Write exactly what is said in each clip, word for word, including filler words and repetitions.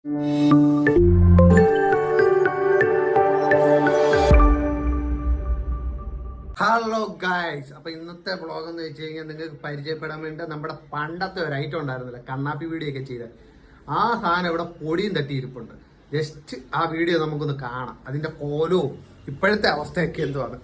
Hello guys, അപ്പൊ ഇന്നത്തെ vlog എന്ന് വെച്ച് കഴിഞ്ഞാൽ നിങ്ങൾക്ക് പരിചയപ്പെടാൻ വേണ്ടി നമ്മുടെ പണ്ടത്തെ ഒരു ഐറ്റം ഉണ്ടായിരുന്നില്ല, കണ്ണാപ്പി വീഡിയോ ഒക്കെ ചെയ്ത് ആ സാധനം ഇവിടെ പൊടിയും തട്ടിയിരിപ്പുണ്ട്. ജസ്റ്റ് ആ വീഡിയോ നമുക്കൊന്ന് കാണാം, അതിന്റെ കോലവും ഇപ്പോഴത്തെ അവസ്ഥയൊക്കെ എന്തുവാണ്.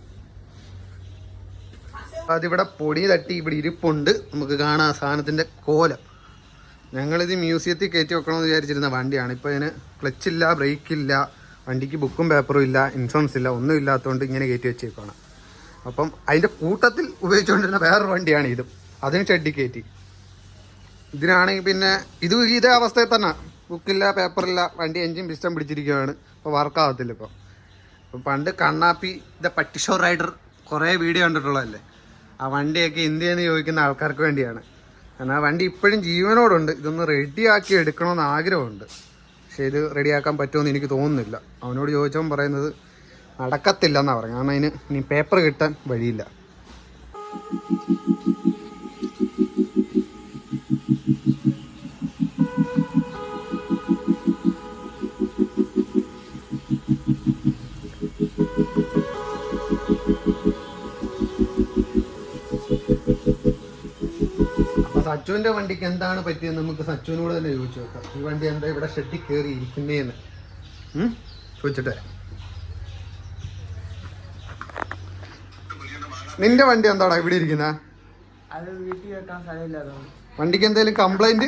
അതിവിടെ പൊടി തട്ടി ഇവിടെ ഇരിപ്പുണ്ട്, നമുക്ക് കാണാം ആ സാധനത്തിന്റെ കോലം. ഞങ്ങളിത് മ്യൂസിയത്തിൽ കയറ്റി വെക്കണമെന്ന് വിചാരിച്ചിരുന്ന വണ്ടിയാണ്. ഇപ്പൊ അതിന് ക്ലച്ചില്ല, ബ്രേക്കില്ല, വണ്ടിക്ക് ബുക്കും പേപ്പറും ഇല്ല, ഇൻഷുറൻസ് ഇല്ല, ഒന്നും ഇല്ലാത്തതുകൊണ്ട് ഇങ്ങനെ കയറ്റി വെച്ചേക്കാണ്. അപ്പം അതിൻ്റെ കൂട്ടത്തിൽ ഉപയോഗിച്ചുകൊണ്ടിരുന്ന വേറൊരു വണ്ടിയാണ് ഇതും, അതിന് ഷെഡി കയറ്റി. ഇതിനാണെങ്കിൽ പിന്നെ ഇത് ഇതേ അവസ്ഥയിൽ തന്നെ, ബുക്കില്ല, പേപ്പറില്ല, വണ്ടി എൻജിൻ പിസ്റ്റം പിടിച്ചിരിക്കുകയാണ്. ഇപ്പോൾ വർക്കാകത്തില്ല. ഇപ്പോൾ ഇപ്പം പണ്ട് കണ്ണാപ്പി ദ പട്ടിഷോ റൈഡർ കുറേ വീഡിയോ കണ്ടിട്ടുള്ളതല്ലേ, ആ വണ്ടിയൊക്കെ ഇന്ത്യയിൽ ചോദിക്കുന്ന ആൾക്കാർക്ക് വേണ്ടിയാണ്. കാരണം ആ വണ്ടി ഇപ്പോഴും ജീവനോടുണ്ട്. ഇതൊന്ന് റെഡിയാക്കി എടുക്കണമെന്ന് ആഗ്രഹമുണ്ട്, പക്ഷേ ഇത് റെഡിയാക്കാൻ പറ്റുമെന്ന് എനിക്ക് തോന്നുന്നില്ല. അവനോട് ചോദിച്ചവൻ പറയുന്നത് നടക്കത്തില്ല എന്നാണ് പറഞ്ഞത്, കാരണം അതിന് ഇനി പേപ്പർ കിട്ടാൻ വഴിയില്ല. അപ്പൊ സച്ചുവിന്റെ വണ്ടിക്ക് എന്താണ് പറ്റിയത് നമുക്ക് സച്ചുവിനോട് തന്നെ ചോദിച്ചു നോക്കാം. ഈ വണ്ടി എന്താ ഇവിടെ ഷെഡിൽ കയറി ഇരിക്കുന്നേന്ന് ചോദിച്ചിട്ട്. നിന്റെ വണ്ടി എന്താടാ ഇവിടെ ഇരിക്കുന്ന? വണ്ടിക്ക് എന്തെങ്കിലും കംപ്ലൈന്റ്?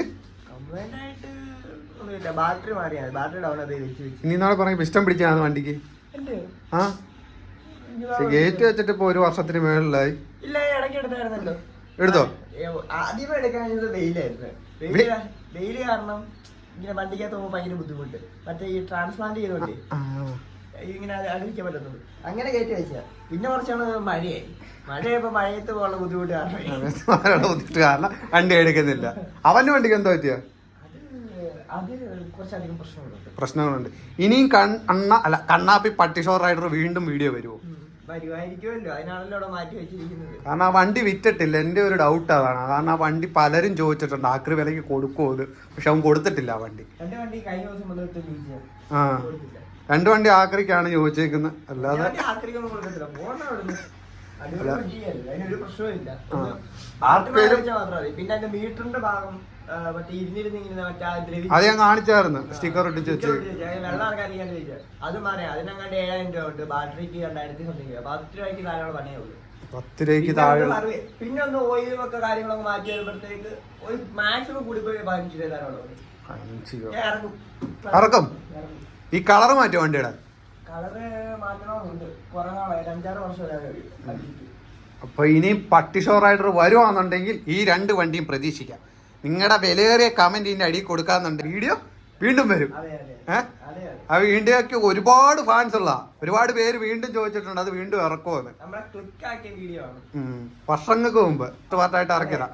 ഇനി നാളെ പറഞ്ഞ പിസ്റ്റം പിടിച്ചാണ് വണ്ടിക്ക്. ആ ഗേറ്റ് വെച്ചിട്ട് ഇപ്പൊ ഒരു വർഷത്തിന് മേളിലായി. എടുത്തോ? ആദ്യമേ എടുക്കാൻ വെയിലായിരുന്നു. വെയില് കാരണം ഇങ്ങനെ വണ്ടിക്കകത്ത് പോകുമ്പോ ഭയങ്കര ബുദ്ധിമുട്ട്. മറ്റേ ഈ ട്രാൻസ്പ്ലാന്റ് ചെയ്തോണ്ടേ ഇങ്ങനെ അടുപ്പിക്കാൻ പറ്റുന്നത്, അങ്ങനെ കയറ്റി വെച്ച. പിന്നെ കുറച്ചാണ് മഴയായി. മഴയപ്പോ മഴയത്ത് പോകാനുള്ള ബുദ്ധിമുട്ട് കാരണം ബുദ്ധിമുട്ട് കാരണം വണ്ടി എടുക്കുന്നില്ല. അവന്റെ വണ്ടിക്ക് എന്താ പറ്റിയ? അത് കുറച്ചധികം പ്രശ്നങ്ങളുണ്ട് പ്രശ്നങ്ങളുണ്ട് ഇനിയും കണ്ണ അല്ല കണ്ണാപ്പി പട്ടിഷോ റൈഡർ വീണ്ടും വീഡിയോ വരുമോ? വരുമായിരിക്കുമല്ലോ, അതിനാണല്ലോ അവിടെ മാറ്റി വെച്ചിരിക്കുന്നത്. കാരണം ആ വണ്ടി വിറ്റിട്ടില്ല. എന്റെ ഒരു ഡൗട്ട് അതാണ്. കാരണം ആ വണ്ടി പലരും ചോദിച്ചിട്ടുണ്ട് ആക്രി വിലക്ക് കൊടുക്കുമോ, പക്ഷെ അവൻ കൊടുത്തിട്ടില്ല ആ വണ്ടി. എന്റെ വണ്ടി കഴിഞ്ഞ ദിവസം ആ രണ്ട് വണ്ടി ആക്രിക്കാണ് ചോദിച്ചേക്കുന്നത്, അല്ലാതെ പിന്നെ അതിന്റെ മീറ്ററിന്റെ ഭാഗം അത് ഞാൻ കാണിച്ചായിരുന്നു, സ്റ്റിക്കർ ഒട്ടിച്ച് വെച്ച്. വെള്ളം ഇറക്കാൻ ചോദിച്ചാൽ അത് മാറിയാ അതിനങ്ങാണ്ട് ഏഴായിരം രൂപ ഉണ്ട്, ബാറ്ററിക്ക് രണ്ടായിരത്തി സംതിങ്. പത്ത് രൂപയ്ക്ക് താഴെ പണിയേ ഉള്ളൂ. പത്ത് രൂപയ്ക്ക് താഴെ. പിന്നെ ഒന്ന് ഓയിലൊക്കെ കാര്യങ്ങളൊക്കെ മാറ്റി വരുമ്പോഴത്തേക്ക് ഒരു മാക്സിമം കൂടി പോയി പതിനഞ്ച് രൂപ താഴെ ഇറക്കും. ഇറക്കും. ഈ കളർ മാറ്റും വണ്ടിയുടെ? കളറ് മാറ്റണമെന്നുണ്ട്, കുറെ നാളായി, അഞ്ചാറ് വർഷം. അപ്പൊ ഇനി പട്ടിഷോ റൈഡർ വരുവാന്നുണ്ടെങ്കിൽ ഈ രണ്ട് വണ്ടിയും പ്രതീക്ഷിക്കാം. നിങ്ങളുടെ വിലയേറിയ കമന്റ് ഇതിന്റെ അടിയിൽ കൊടുക്കാന്നുണ്ട്, വീഡിയോ വീണ്ടും വരും. ഏഹ് ആ വീഡിയോക്ക് ഒരുപാട് ഫാൻസ് ഉള്ള ഒരുപാട് പേര് വീണ്ടും ചോദിച്ചിട്ടുണ്ട് അത് വീണ്ടും ഇറക്കുമെന്ന്. വർഷങ്ങൾക്ക് മുമ്പ് പാർട്ടായിട്ട് ഇറക്കിയതാ.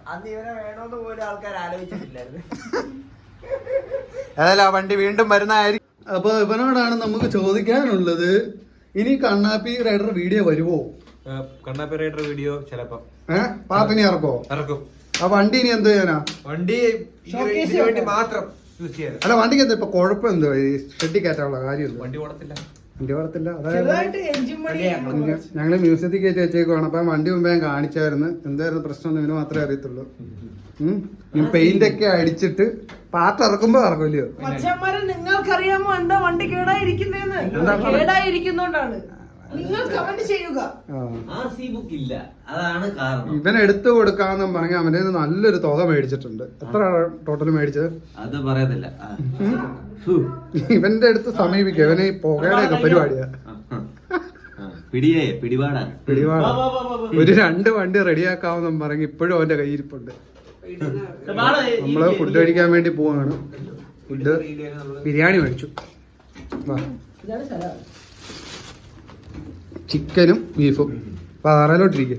ഏതായാലും ആ വണ്ടി വീണ്ടും വരുന്നതായിരിക്കും. അപ്പൊ ഇവനോടാണ് നമുക്ക് ചോദിക്കാനുള്ളത്, ഇനി കണ്ണാപ്പി റൈഡർ വീഡിയോ വരുമോ? കണ്ണാപ്പി റൈഡർ വീഡിയോ ചിലപ്പോ ഏഹ് പാപ്പിനി ഇറക്കോ? ഇറക്കും. ആ വണ്ടി ഇനി എന്ത് ചെയ്യാനാ? വണ്ടി മാത്രം യൂസ് ചെയ്യാൻ. അല്ല വണ്ടിക്ക് എന്താ ഇപ്പൊ കുഴപ്പം? എന്തോ ഈ ഷെഡി കയറ്റാനുള്ള കാര്യം? വണ്ടി ഓടത്തില്ല. വണ്ടി ഓടത്തില്ല. അതായത് ഞങ്ങള് മ്യൂസിയത്തിൽ കയറ്റി വെച്ചേക്കുവാണ്. അപ്പൊ വണ്ടി മുമ്പ് ഞാൻ കാണിച്ചായിരുന്നു. എന്തായിരുന്നു പ്രശ്നം എന്ന് ഇവന് മാത്രമേ അറിയത്തുള്ളൂ. ഉം പെയിന്റ് ഒക്കെ അടിച്ചിട്ട് പാട്ട് ഇറക്കുമ്പോ ഇറക്കില്ലയോ? നിങ്ങൾക്കറിയാമോ എന്താ വണ്ടി കേടായിരിക്കുന്നേന്ന്? കേടായിരിക്കുന്നോണ്ടാണ്. നിങ്ങൾ കമന്റ് ചെയ്യുക. ഇവൻ എടുത്തു കൊടുക്കാന്നും പറഞ്ഞ അവന്റെ നല്ലൊരു തുക മേടിച്ചിട്ടുണ്ട്. എത്ര ടോട്ടൽ മേടിച്ചത് അത് പറയത്തില്ല. ഇവന്റെ അടുത്ത് സമീപിക്കുക. ഇവന് ഈ പുകയുടെ ഒക്കെ പരിപാടിയാ. പിടിയേ പിടിപാടാ പിടിപാടാ. ഒരു രണ്ട് വണ്ടി റെഡിയാക്കാമെന്നും പറഞ്ഞ് ഇപ്പോഴും അവന്റെ കയ്യിരിപ്പുണ്ട്. നമ്മള് ഫുഡ് കഴിക്കാൻ വേണ്ടി പോവാണ്. ഫുഡ് ബിരിയാണി മേടിച്ചു. ചിക്കനും ബീഫും. അപ്പൊ ആറാലോട്ടിരിക്കെ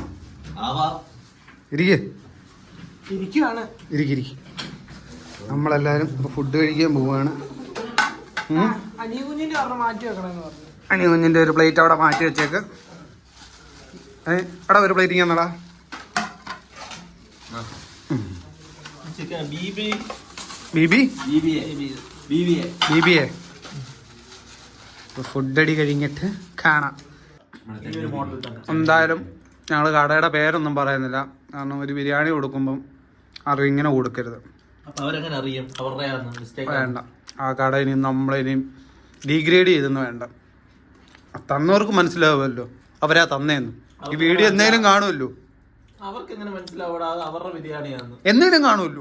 ഇരിക്കെ ഇരിക്കിരിക്കും. നമ്മളെല്ലാരും ഇപ്പൊ ഫുഡ് കഴിക്കാൻ പോവാണ്. അനികുഞ്ഞിന്റെ ഒരു പ്ലേറ്റ് അവിടെ മാറ്റി വെച്ചേക്ക്. എടാ ഒരു പ്ലേറ്റ് ഇങ്ങനെടാ. B B B B A B B A food അടി കഴിഞ്ഞിട്ട് കാണാം. എന്തായാലും ഞങ്ങൾ കടയുടെ പേരൊന്നും പറയുന്നില്ല, കാരണം ഒരു ബിരിയാണി കൊടുക്കുമ്പം അത് ഇങ്ങനെ കൊടുക്കരുത്. അവരെങ്ങനെ അറിയും അവരുടെ വേണ്ട, ആ കട ഇനി നമ്മളിനിയും ഡീഗ്രേഡ് ചെയ്തെന്ന് വേണ്ട. തന്നവർക്ക് മനസ്സിലാവുമല്ലോ അവരാ തന്നേന്ന്. ഈ വീഡിയോ എന്നേലും കാണുമല്ലോ, അവർക്ക് എങ്ങനെ മനസ്സിലാവൂടാ അവരുടെ ബിരിയാണിയാന്ന്? എന്നേലും കാണുമല്ലോ.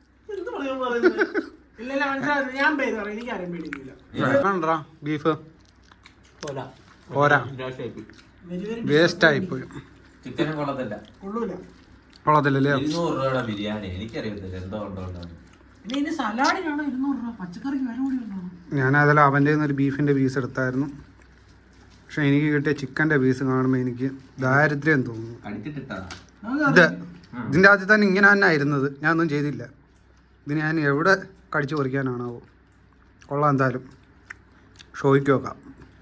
ഇല്ല ഇല്ല മനസ്സിലായി, ഞാൻ പേര് പറയാം, എനിക്ക് ആരും പേടിയില്ല. വേണ്ടാ ബീഫ് പോരാ പോരാ, വെരി വെരി വേസ്റ്റ് ആയിപ്പോയി. ചിക്കനും കൊള്ളത്തില്ല. കൊള്ളൂല. കൊള്ളത്തില്ലല്ലേ? ഇരുന്നൂറ് രൂപയുടെ ബിരിയാണി എനിക്കറിയത്തില്ല എന്തോ ഉണ്ടോ. ഇനി ഇനി സലാഡിനാണോ ഇരുന്നൂറ് രൂപ? പച്ചക്കറിക്ക് വില കൂടി ഉണ്ടോ? ഞാൻ അതിൽ അവൻ്റെ ഒരു ബീഫിൻ്റെ പീസ് എടുത്തായിരുന്നു, പക്ഷെ എനിക്ക് കിട്ടിയ ചിക്കൻ്റെ പീസ് കാണുമ്പോൾ എനിക്ക് ദാരിദ്ര്യം തോന്നുന്നു. അടിച്ചിട്ടിട്ടാ ഇത് ഇതിൻ്റെ ആദ്യം തന്നെ ഇങ്ങനെ തന്നെ ആയിരുന്നത്, ഞാനൊന്നും ചെയ്തില്ല. ഇത് ഞാൻ എവിടെ കടിച്ചു പറിക്കാനാണാവോ. കൊള്ളാം, എന്തായാലും ഷോയ്ക്ക് വെക്കാം.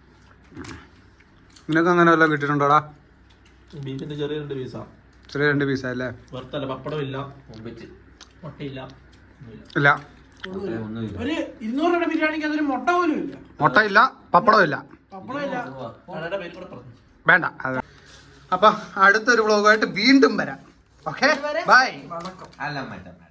നിനക്ക് അങ്ങനെ വല്ലതും കിട്ടിയിട്ടുണ്ടോടാ? ബീഫിന്റെ ചെറിയ രണ്ട് പീസാ. ചെറിയ രണ്ട് പീസല്ലേ? വറുത്തല്ല, പപ്പടം ഇല്ല, മുട്ടയില്ല, ഇല്ല. ഒരു ഇരുന്നൂറ് രൂപയുടെ ബിരിയാണിക്ക് അതൊരു മുട്ട പോലും ഇല്ല. മുട്ട ഇല്ല, പപ്പടം ഇല്ല, പപ്പടം ഇല്ല. വേണ്ട. അത് അപ്പൊ അടുത്തൊരു വ്ളോഗായിട്ട് വീണ്ടും വരാം. Okay, bye. അല്ല മാറ്റാം.